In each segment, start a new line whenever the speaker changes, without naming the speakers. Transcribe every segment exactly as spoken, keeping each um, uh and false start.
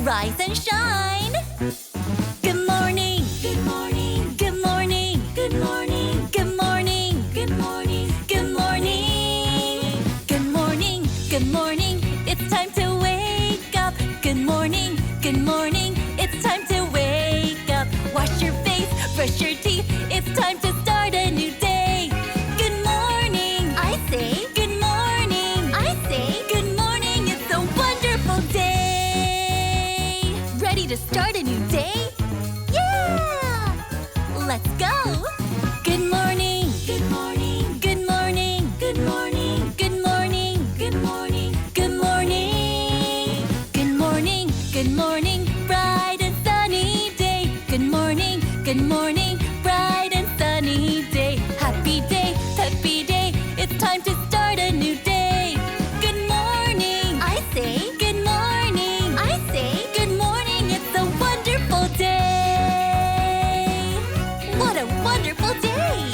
rise and shine. Good morning. Good morning. Good morning. Good morning. Good morning. Good morning. Good morning. Good morning. Good morning. It's time to wake up. Good morning. Good morning. It's time to wake up. Wash your face, brush your teeth. It's time to start a new day. Good morning. I say good morning. I say good morning. It's a wonderful day. Ready to start a new day? Yeah! Let's go. Good morning. Good morning. Good morning. Good morning. Good morning. Good morning. Good morning. Good morning. Good morning. Bright and sunny day. Good morning. Good morning. Bright and sunny day. Happy day. Happy day. It's time to start a new day. Good morning. I say good morning. I say good morning. It's a wonderful day. What a wonderful day.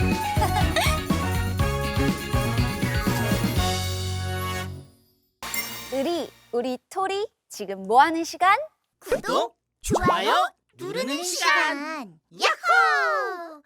우리, 우리 토리 지금 뭐 하는 시간?
구독, 좋아요 누르는 시간. 야호!